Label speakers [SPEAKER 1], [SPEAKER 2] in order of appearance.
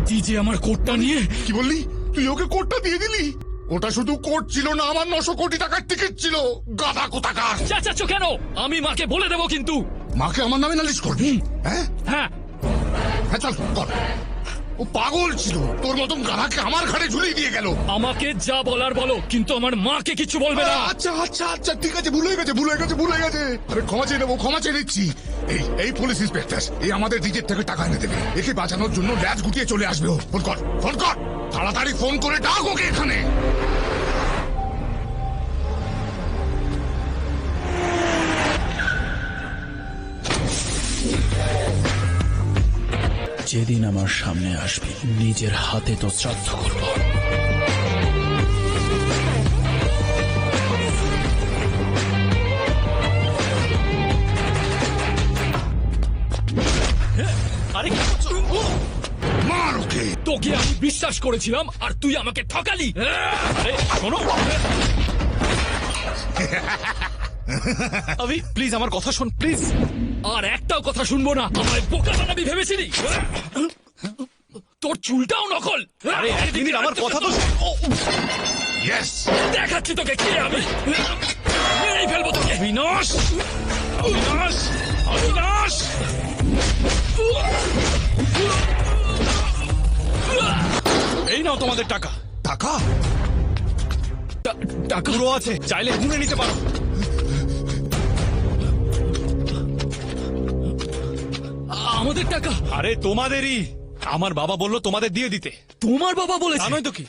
[SPEAKER 1] তুই যে আমার কোটটা নিয়ে
[SPEAKER 2] কি বললি? তুই ওকে কোটটা দিয়ে দিলি? ওটা শুধু কোট ছিল না, আমার 900 কোটি টাকার টিকিট ছিল। গাধা কোথাকার!
[SPEAKER 1] চেঁচাচ্ছ কেন? আমি মাকে বলে দেবো কিন্তু।
[SPEAKER 2] মাকে আমার নামে নালিশ করবি? হ্যাঁ
[SPEAKER 1] হ্যাঁ,
[SPEAKER 2] হ্যাঁ, চল কর। ও পাগল ছিল, তোর মতন গাধাকে আমার ঘাড়ে ঝুলিয়ে দিয়ে গেল।
[SPEAKER 1] আমাকে যা বলার বলো, কিন্তু আমার মাকে কিছু বলবে না।
[SPEAKER 2] আচ্ছা আচ্ছা আচ্ছা, ঠিক আছে, ভুলে গেছে। আমি ক্ষমা চেয়ে নেবো, ক্ষমা চেয়ে নিচ্ছি। এই পুলিশ ইন্সপেক্টর, এই আমাদের নিজের থেকে টাকা এনে দেবে। একে বাঁচানোর জন্য ল্যাজ গুটিয়ে চলে আসবে ও। ফোন কর, ফোন কর, তাড়াতাড়ি ফোন করে ডাক ওকে এখানে।
[SPEAKER 1] যেদিন আমার সামনে আসবি, নিজের হাতে তো শ্রাদ্ধ করব। আরে কি করছো?
[SPEAKER 2] মার ওকে।
[SPEAKER 1] তোকে আমি বিশ্বাস করেছিলাম আর তুই আমাকে ঠকালি। আরে শোনো,
[SPEAKER 3] আবি প্লিজ আমার কথা শোন, প্লিজ।
[SPEAKER 1] আর একটাও কথা শুনবো না। আমায় বোকা বানাবি ভেবেছিলি? তোর চুলটাও নকল।
[SPEAKER 3] আরে এক মিনিট, আমার কথা তো শোন।
[SPEAKER 2] ইয়েস,
[SPEAKER 1] দেখাচ্ছি তোকে কে আমি। মেরেই ফেলবো তোকে।
[SPEAKER 3] বিনাশ, বিনাশ, বিনাশ। এই নাও তোমাদের টাকা।
[SPEAKER 2] টাকা?
[SPEAKER 1] টাকা
[SPEAKER 3] পুরো আছে, চাইলে গুনে নিতে পারো।
[SPEAKER 1] আমাদের টাকা?
[SPEAKER 3] আরে তোমাদেরই। আমার বাবা বললো তোমাদের দিয়ে দিতে।
[SPEAKER 1] তোমার বাবা বলেছে?
[SPEAKER 3] জানোই তো কি।